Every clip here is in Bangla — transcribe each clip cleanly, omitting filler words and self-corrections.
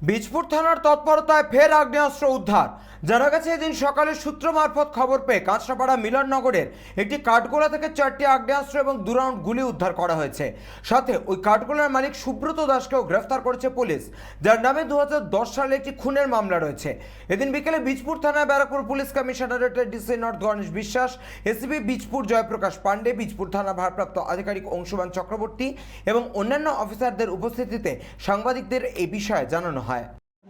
বীজপুর থানার তৎপরতায় ফের আগ্নেয়াস্ত্র উদ্ধার। জানা গেছে এদিন সকালে সূত্র মারফত খবর পেয়ে কাঁচরাপাড়া মিলননগরের একটি কাঠগোলা থেকে 4টি আগ্নেয়াস্ত্র এবং 2 রাউন্ড গুলি উদ্ধার করা হয়েছে। সাথে ওই কাঠগোলার মালিক সুব্রত দাসকেও গ্রেফতার করেছে পুলিশ, যার নামে 2010 সালে একটি খুনের মামলা রয়েছে। এদিন বিকেলে বীজপুর থানায় ব্যারাকপুর পুলিশ কমিশনারেটের DC north Ganesh Biswas, ACP Bijpur Jayprakash Pandey, Bijpur থানা ভারপ্রাপ্ত আধিকারিক অংশুমান চক্রবর্তী এবং অন্যান্য অফিসারদের উপস্থিতিতে সাংবাদিকদের এই বিষয়ে জানানো হয়।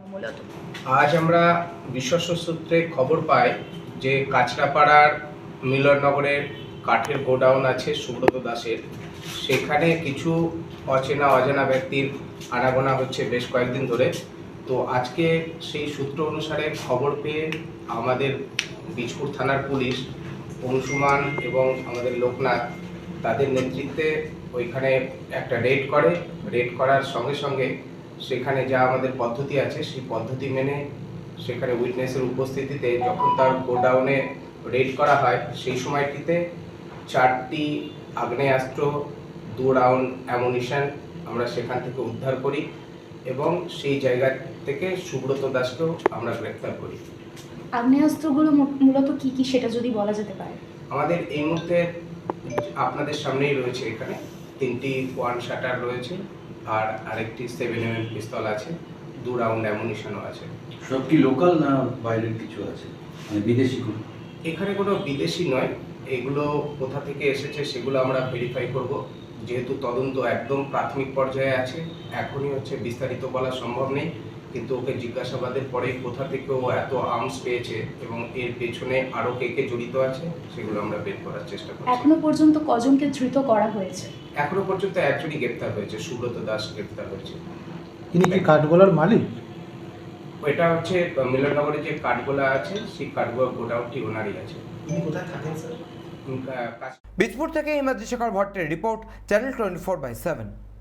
আজ আমরা বিশ্বস্ত সূত্রে খবর পাই যে কাঁচরাপাড়ার মিলননগরের কাঠের গোডাউন আছে সুব্রত দাসের, সেখানে কিছু অজানা ব্যক্তির আনাগোনা হচ্ছে বেশ কয়েকদিন ধরে। তো আজকে সেই সূত্র অনুসারে খবর পেয়ে আমাদের বীজপুর থানার পুলিশ অংশুমান এবং আমাদের লোকনাথ তাদের নেতৃত্বে ওইখানে একটা রেড করার সঙ্গে সঙ্গে সেখানে যা আমাদের পদ্ধতি আছে সেই পদ্ধতি মেনে সেখানে উইটনেসের উপস্থিতিতে যখন তার গোডাউনে রেড করা হয় সেই সময়টিতে 4টি আগ্নেয়াস্ত্র, 2 রাউন্ড অ্যামুনিশন আমরা সেখান থেকে উদ্ধার করি এবং সেই জায়গা থেকে সুব্রত দাসকেও আমরা গ্রেফতার করি। আগ্নেয়াস্ত্রগুলো মূলত কি কি সেটা যদি বলা যেতে পারে। আমাদের এই মুহূর্তে আপনাদের সামনেই রয়েছে, এখানে 3টি ওয়ান শাটার রয়েছে আর আরেকটি 7mm পিস্তল আছে, 2 রাউন্ড অ্যামুনিশনও আছে। সব কি লোকাল না বাইরের কিছু আছে, মানে বিদেশি কোনো? এখানে কোনো বিদেশি নয়, এগুলো কোথা থেকে এসেছে সেগুলো আমরা ভেরিফাই করব, যেহেতু তদন্ত একদম প্রাথমিক পর্যায়ে আছে। এখনই বিস্তারিত বলা সম্ভব নেই, কিন্তু ওকে জিজ্ঞাসাবাদের পরে কোথা থেকে ও এত আর্মস পেয়েছে এবং এর পেছনে আরও কে জড়িত আছে সেগুলো আমরা বের করার চেষ্টা করছি। এখনো পর্যন্ত কজনকে ধৃত করা হয়েছে? এখনো পর্যন্ত একজনই গ্রেপ্তার হয়েছে, সুব্রত দাস গ্রেপ্তার হয়েছে। তিনি কি কাঠগোলার মালিক? ওইটা মিলননগরে যে কাঠগোলা আছে সেই কাঠগোলা গোডাউনটি ওনারই আছে। তিনি কোথায় থাকেন স্যার? বীজপুর থেকে ইমাদ্রি শেখর ভট্টের রিপোর্ট, চ্যানেল 24/7।